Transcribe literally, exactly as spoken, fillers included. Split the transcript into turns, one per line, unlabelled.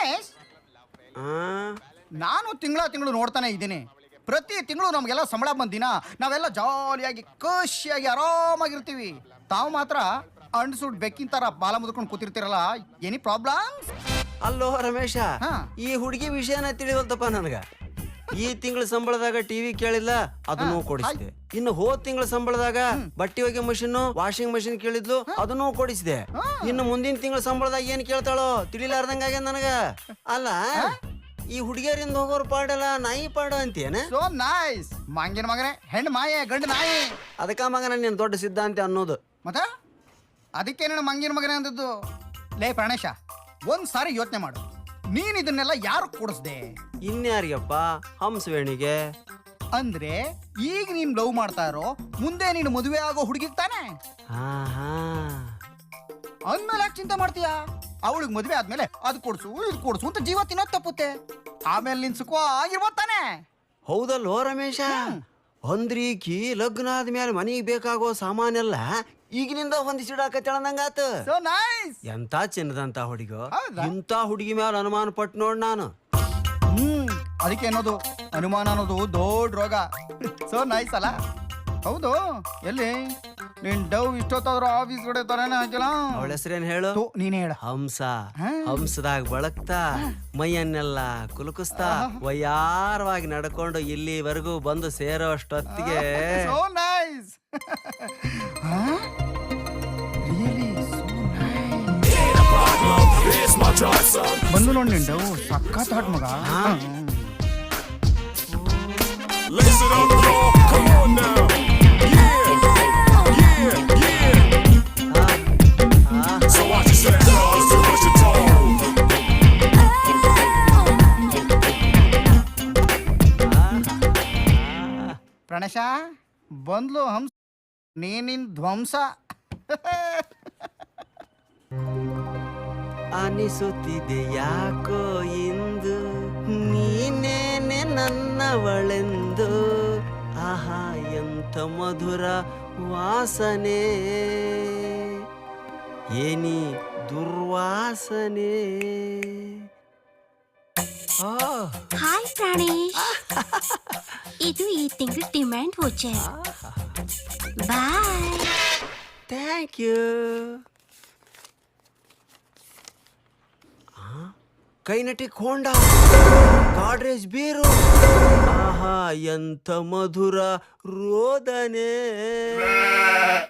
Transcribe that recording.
ಪ್ರಾಣೇಶ್, ನಾನು ತಿಂಗಳ ತಿಂಗಳು ನೋಡ್ತಾನೆ ಇದ್ದೀನಿ. ಪ್ರತಿ ತಿಂಗಳು ನಮಗೆಲ್ಲ ಸಂಬಳ ಬಂದಿನ ನಾವೆಲ್ಲ ಜಾಲಿಯಾಗಿ ಖುಷಿಯಾಗಿ ಆರಾಮಾಗಿರ್ತೀವಿ. ತಾವು ಮಾತ್ರ ಅಂಡ್ಸುಡ್ ಬೆಕ್ಕಿನ ತರ ಬಾಲ ಮುದ್ಕೊಂಡು ಕೂತಿರ್ತೀರಲ್ಲ, ಎನಿ ಪ್ರಾಬ್ಲಮ್?
ಅಲ್ಲೋ ರಮೇಶ,
ಹಾ.
ಈ ಹುಡುಗಿ ವಿಷಯನ ತಿಳಿವಲ್ತಪ್ಪ ನನಗ. ಈ ತಿಂಗಳ ಸಂಬಳದಾಗ ಟಿವಿ ಕೇಳಿಲ್ಲ, ಅದನ್ನು ಕೊಡಿಸಿದೆ. ಇನ್ನು ಹೋದ್ ತಿಂಗಳ ಸಂಬಳದಾಗ ಬಟ್ಟೆ ಒಗೆ ಮಷಿನ್, ವಾಷಿಂಗ್ ಮಷಿನ್ ಕೇಳಿದ್ಲು, ಅದನ್ನು ಕೊಡಿಸಿದೆ. ಇನ್ನು ಮುಂದಿನ ತಿಂಗಳ ಸಂಬಳದಾಗ ಏನ್ ಕೇಳ್ತಾಳೋ ತಿಳಿಲಾರ್ದಂಗ ಆಗ್ಯದ ನನಗ. ಅಲ್ಲ, ಈ ಹುಡುಗಿಯರಿಂದ ಹೋಗೋರ್ ಪಾಡಲ್ಲ, ನಾಯಿ ಪಾಡ ಅಂತೇನ?
So nice. ಮಂಗಿನ ಮಗನೇ, ಹೆಣ್ಣು ಮಾಯೆ, ಗಂಡು ನಾಯಿ.
ಅದಕ್ಕ ಮಗನ ನೀನ್ ದೊಡ್ಡ ಸಿದ್ಧಾಂತ ಅನ್ನೋದು.
ಮತ್ತ ಅದಕ್ಕೆ ನೀನು ಮಂಗಿನ ಮಗನೇ ಅಂದದ್ದು. ಲೇ ಪ್ರಾಣೇಶ, ಒಂದ್ ಸಾರಿ ಯೋಚನೆ ಮಾಡು, ನೀನ್ ಇದನ್ನೆಲ್ಲ ಯಾರು ಕೊಡಿಸ್ದೆ?
ಇನ್ಯಾರಿಗಪ್ಪ? ಹಂಸವೇಣಿಗೆ.
ಅಂದ್ರೆ ಈಗ ನೀನ್ ಲವ್ ಮಾಡ್ತಾ ಇರೋ, ಮುಂದೆ ನೀನು ಮದುವೆ ಆಗೋ ಹುಡುಗಿಗ್ ತಾನೆ? ಅಂದ್ಮೇಲೆ ಯಾಕೆ ಚಿಂತೆ ಮಾಡ್ತೀಯಾ? ಅವಳಿಗೆ ಮದುವೆ ಆದ್ಮೇಲೆ ಅದು ಕೊಡ್ಸು ಇದು ಕೊಡ್ಸು ಅಂತ ಜೀವ ತಿನ್ನೋದ್ ತಪ್ಪುತ್ತೆ. ಆಮೇಲೆ ನಿನ್ ಸುಖ ಆಗಿರ್ಬೋದ್ ತಾನೆ?
ಹೌದಲ್ಲೋ ರಮೇಶ, ಅಂದ್ರೀಕಿ ಲಗ್ನ ಆದ್ಮೇಲೆ ಮನಿಗೆ ಬೇಕಾಗೋ ಸಾಮಾನೆಲ್ಲ ಈಗಿನಿಂದ ಹೊಂದಿಸಿಡಾಕತ್ತೇಳಂದಂಗಾತ.
So nice.
ಎಂತ ಚಿನ್ನದಂತ ಹುಡುಗ,
ಹೌದಾ?
ಇಂತ ಹುಡುಗಿ ಮೇಲೆ ಅನುಮಾನ ಪಟ್ಟು ನೋಡ್ ನಾನು.
ಹ್ಮ್ ಅದಕ್ಕೆ ಅನ್ನೋದು ಅನುಮಾನ ಅನ್ನೋದು ದೊಡ್ಡ ರೋಗ. ಸೋ ನೈಸ್ ಅಲ್ಲ? ಹೌದು. ಎಲ್ಲಿ ನಿನ್ ಡವ್ ಇಷ್ಟೊತ್ತಾದ್ರೂ ಆಫೀಸ್ ಕಡೆ ತರನೇ ಹಾಕಿಲ್ಲ?
ಅವಳ ಹೆಸರೇನ್ ಹೇಳು?
ನೀನೇ ಹೇಳ.
ಹಂಸ. ಹಂಸದಾಗ ಬಳಕ್ತಾ ಮೈಯನ್ನೆಲ್ಲ ಕುಲುಕಿಸ್ತಾ ವಯಾರವಾಗಿ ನಡ್ಕೊಂಡು ಇಲ್ಲಿವರೆಗೂ ಬಂದು ಸೇರೋ ಅಷ್ಟೊತ್ತಿಗೆ
so nice. Really so nice. ಬಂದು ನೋಡಿ ನಿನ್ ಡವ್ ಸಖತ್ ಹಾಟ್ ಮಗ.
Lace it up, y'all. Come on now. Yeah, yeah, yeah. So watch your step, cause to push your toe.
ಪ್ರಣೇಶ ಬಂದ್ಲು ಹಂಸ, ನೀನಿನ್ ಧ್ವಂಸ.
ಅನಿಸುತ್ತಿದೆ ಯಾಕೋ ಇಂದು ನೀನೇನೆ ನನ್ನವಳೆಂದು. ಆಹಾ ಎಂಥ ಮಧುರ ವಾಸನೆ, ಏನಿ ದುರ್ವಾಸನೆ.
ಹಾಯ್ ಪ್ರಾಣೇಶ್, ಇದು ಈ ತಿಂಗಳ demand voucher. Bye.
Thank you. Kinetic Honda, Godrej ಬೀರು. ಆಹಾ ಎಂಥ ಮಧುರ ರೋದನೆ.